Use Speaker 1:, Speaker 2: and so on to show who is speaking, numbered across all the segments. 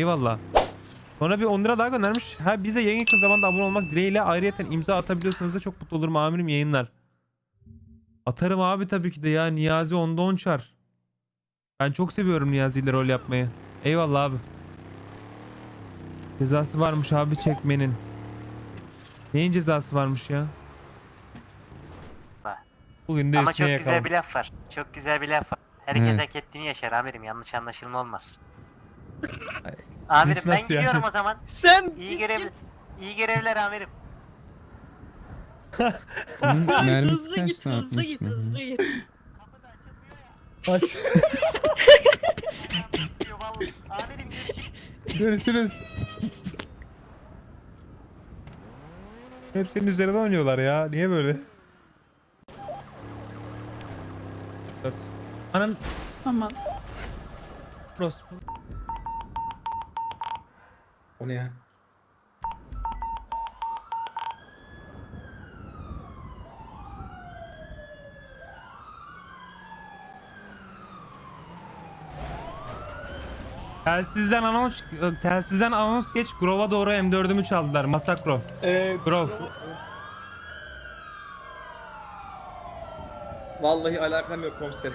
Speaker 1: Eyvallah. Sonra bir 10 lira daha göndermiş. Ha bir de yayın yakın zamanda abone olmak dileğiyle ayrıyeten imza atabiliyorsanız da çok mutlu olurum amirim, yayınlar. Atarım abi tabii ki de ya. Niyazi onda 10 çar. Ben çok seviyorum Niyazi ile rol yapmayı. Eyvallah abi. Cezası varmış abi çekmenin. Neyin cezası varmış ya? Bugün de
Speaker 2: Ama
Speaker 1: üstüne
Speaker 2: çok
Speaker 1: yakalım.
Speaker 2: güzel bir laf var. Çok güzel bir laf var. Herkes hak ettiğini yaşar amirim. Yanlış anlaşılma olmasın. Amirim ben
Speaker 1: Nasıl yani?
Speaker 2: gidiyorum o zaman.
Speaker 3: Sen
Speaker 2: İyi iyi görevler amirim.
Speaker 4: Mermisi
Speaker 3: hızlı
Speaker 4: kaç
Speaker 3: git,
Speaker 4: ne
Speaker 3: hızlı
Speaker 4: yapmış
Speaker 3: git,
Speaker 4: mı?
Speaker 3: hızlı git.
Speaker 2: Kapı da açılmıyor ya.
Speaker 1: Aç.
Speaker 2: Bitiyor vallahi. Amirim görüşürüz.
Speaker 1: Görüşürüz. Hep senin üzerine oynuyorlar ya. Niye böyle? Anan
Speaker 3: Aman.
Speaker 1: orospu.
Speaker 5: O ne ya?
Speaker 1: Telsizden anons geç. Grove'a doğru M4'ümü çaldılar. Masakro. Grove.
Speaker 5: Vallahi alakam yok komiserim.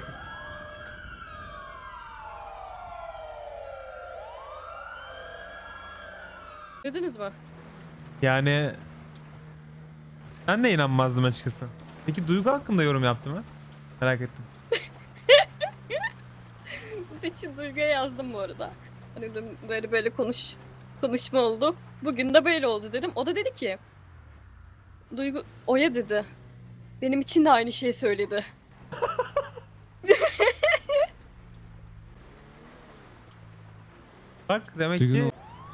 Speaker 3: Dediniz mi?
Speaker 1: Yani ben de inanmazdım açıkçası. Peki Duygu hakkında yorum yaptı mı? Merak ettim.
Speaker 3: için Duygu'ya yazdım bu arada. Hani dün böyle konuşma oldu. Bugün de böyle oldu dedim. O da dedi ki Duygu Oya dedi. Benim için de aynı şeyi söyledi.
Speaker 1: Bak demek
Speaker 4: Duygu'nun-
Speaker 1: ki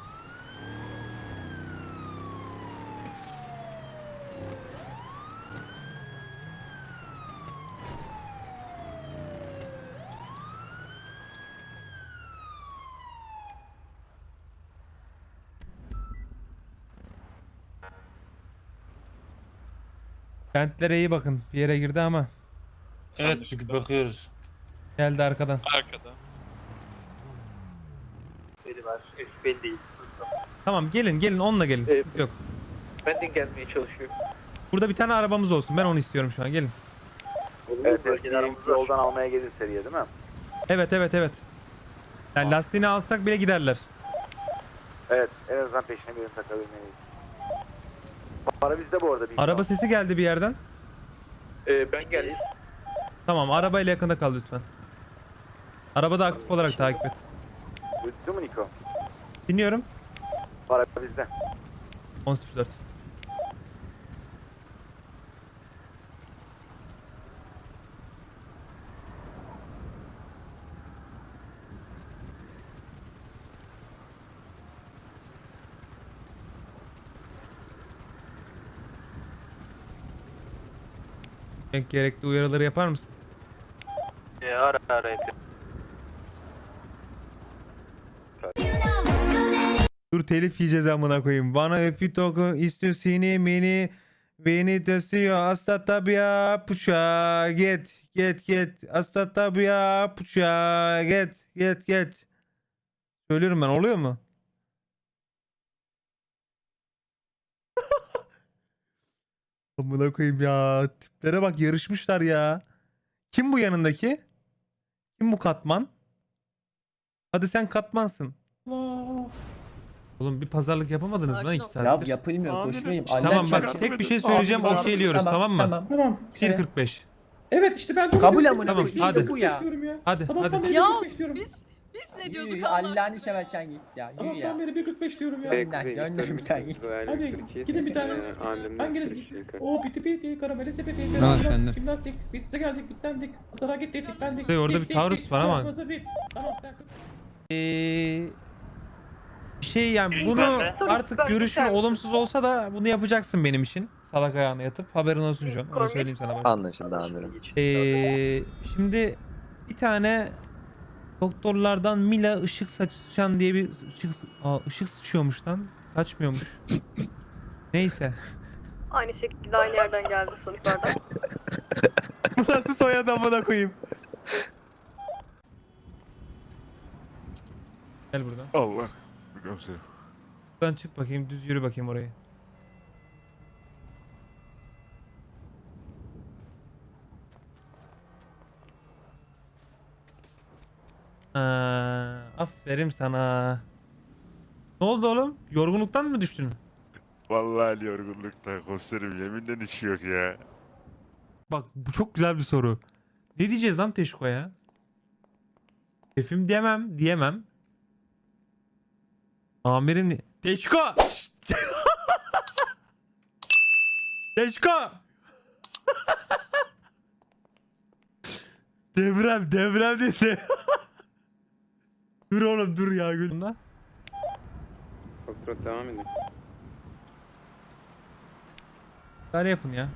Speaker 1: kentlere iyi bakın. Bir yere girdi ama
Speaker 6: Evet çünkü bakıyoruz.
Speaker 1: geldi arkadan.
Speaker 7: Biri var. Belli değil.
Speaker 1: Tamam gelin onunla gelin. Sıkıntı yok.
Speaker 7: Ben de gelmeye çalışıyorum.
Speaker 1: Burada bir tane arabamız olsun. Ben onu istiyorum şu an. Gelin.
Speaker 7: Evet, bölgelerimizi yoldan almaya gelir seriye değil mi?
Speaker 1: Evet. Yani lastiğini alsak bile giderler.
Speaker 7: Evet, en azından peşine birini takabilmeliyiz. Para bizde bu arada.
Speaker 1: Araba sesi geldi bir yerden.
Speaker 7: Ben geldim.
Speaker 1: Tamam arabayla yakında kal lütfen. Arabada aktif olarak takip et.
Speaker 7: Duydun mu Niko?
Speaker 1: Dinliyorum.
Speaker 7: Para bizde.
Speaker 1: 10.04. Gerekli uyarıları yapar mısın?
Speaker 7: Ara yapıyorum.
Speaker 1: Dur telif yiyeceğiz amına koyayım. Bana öfü toku istiyor seni beni. Beni testiyor hasta tabiya puça get hasta tabiya puça get. Söylüyorum ben, oluyor mu? Amına koyayım ya. Tiplere bak, yarışmışlar ya. Kim bu yanındaki? Kim bu Katman? Hadi sen Katmansın. Oğlum bir pazarlık yapamadınız mı lan
Speaker 3: Sakin
Speaker 1: 2
Speaker 3: ol.
Speaker 1: saattir?
Speaker 8: Ya yapılmıyor koşmayayım.
Speaker 1: Tamam bak tek bir şey söyleyeceğim, okeyliyoruz tamam mı?
Speaker 5: Tamam.
Speaker 1: 1.45.
Speaker 5: Evet işte ben bunu
Speaker 8: Kabul amına
Speaker 1: Tamam,
Speaker 8: koyayım.
Speaker 1: hadi.
Speaker 8: İşte bu ya.
Speaker 1: Hadi
Speaker 5: Sabahtan
Speaker 1: hadi.
Speaker 5: beri
Speaker 3: Ya
Speaker 5: 1.45 diyorum.
Speaker 3: biz ne diyorduk
Speaker 8: Yürü,
Speaker 3: Allah
Speaker 8: Allah'ını
Speaker 3: aşkına?
Speaker 8: seversen git ya. Yürü
Speaker 5: Sabahtan
Speaker 8: ya.
Speaker 5: beri 1.45 diyorum ya.
Speaker 8: Gönder bir tane git.
Speaker 5: Hadi gidin bir tane. Hanginiz gitti? O piti karameli sepeti.
Speaker 4: Al sen de.
Speaker 5: Jimnastik. Biz size geldik bitlendik. Sana gittik bitlendik.
Speaker 1: Şey, orada bir taarruz var ama.
Speaker 5: Tamam sen.
Speaker 1: Bir şey yani bunu artık görüşün olumsuz olsa da bunu yapacaksın benim için. Salak ayağına yatıp haberin olsun John. Onu söyleyeyim sana. Bak.
Speaker 9: Anlaşıldı amirim.
Speaker 1: Şimdi bir tane doktorlardan Mila ışık saçan diye bir ışık sıçıyormuş lan. Saçmıyormuş. Neyse.
Speaker 3: Aynı şekilde aynı yerden geldi sonuçlardan.
Speaker 1: Bu nasıl soyadı amına koyayım? Gel buradan.
Speaker 6: Allah.
Speaker 4: komiserim.
Speaker 1: Buradan çık bakayım, düz yürü bakayım orayı. Aferin sana. Ne oldu oğlum? Yorgunluktan mı düştün?
Speaker 4: Vallahi yorgunlukta komiserim, yeminle hiç yok ya.
Speaker 1: Bak bu çok güzel bir soru. Ne diyeceğiz lan Teşko'ya? Şefim diyemem. Amirim Teşko! Şşt! Teşko! devrem dedi. Dur oğlum dur ya gülüm.
Speaker 5: Kontrol devam edin.
Speaker 1: Böyle yapın ya.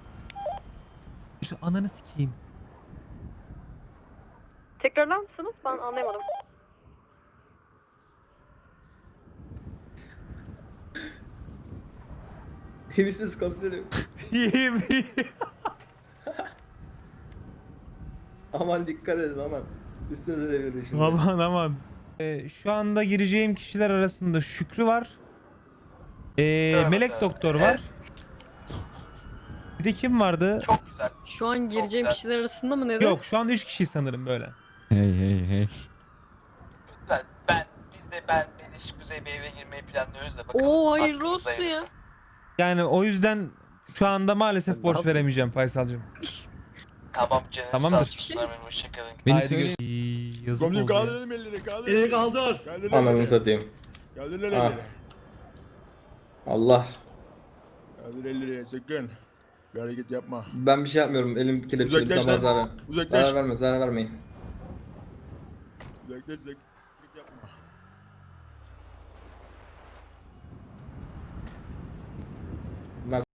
Speaker 1: Şu ananı sikeyim.
Speaker 3: Tekrarlar mısınız? Ben anlayamadım.
Speaker 8: İyi misiniz komiserim?
Speaker 1: İyiyim.
Speaker 8: Aman dikkat edin aman. Üstünüze de verin şimdi.
Speaker 1: Aman. Şu anda gireceğim kişiler arasında Şükrü var. Melek Doktor var. Bir de kim vardı?
Speaker 3: Şu an gireceğim kişiler arasında mı dedi?
Speaker 1: Yok şu an 3 kişi sanırım böyle.
Speaker 9: Hey.
Speaker 2: Ben Melis Kuzey Bey eve girmeyi planlıyoruz da bakalım.
Speaker 3: Oo hayırlı
Speaker 2: aklımızda
Speaker 3: olsun ya.
Speaker 2: hayırlısı.
Speaker 1: Yani o yüzden şu anda maalesef
Speaker 8: Ne
Speaker 1: borç
Speaker 8: yapıyorsun?
Speaker 1: veremeyeceğim Faysal'cığım.
Speaker 2: Tamam canım.
Speaker 1: Tamamdır.
Speaker 2: Sağ olun.
Speaker 3: Hiçbir şey
Speaker 2: Amirim, hoşçakalın.
Speaker 9: Beni
Speaker 1: Haydi
Speaker 9: söyle.
Speaker 1: yazık
Speaker 4: Komiserim
Speaker 1: oldu ya.
Speaker 4: kaldıralım elleri, kaldır.
Speaker 5: Elini kaldır.
Speaker 4: Kaldır
Speaker 8: Ananı
Speaker 4: elleri.
Speaker 8: satayım.
Speaker 4: Kaldır
Speaker 8: Ah.
Speaker 4: elleri.
Speaker 8: Allah.
Speaker 4: Kaldır elleri, sakın. Bir hareket yapma.
Speaker 8: Ben bir şey yapmıyorum. Elim kelepçeli.
Speaker 4: Uzaklaş
Speaker 8: Tamam
Speaker 4: lan.
Speaker 8: zarar.
Speaker 4: Uzaklaş.
Speaker 8: Zarar vermeyin.
Speaker 4: Uzaklaş.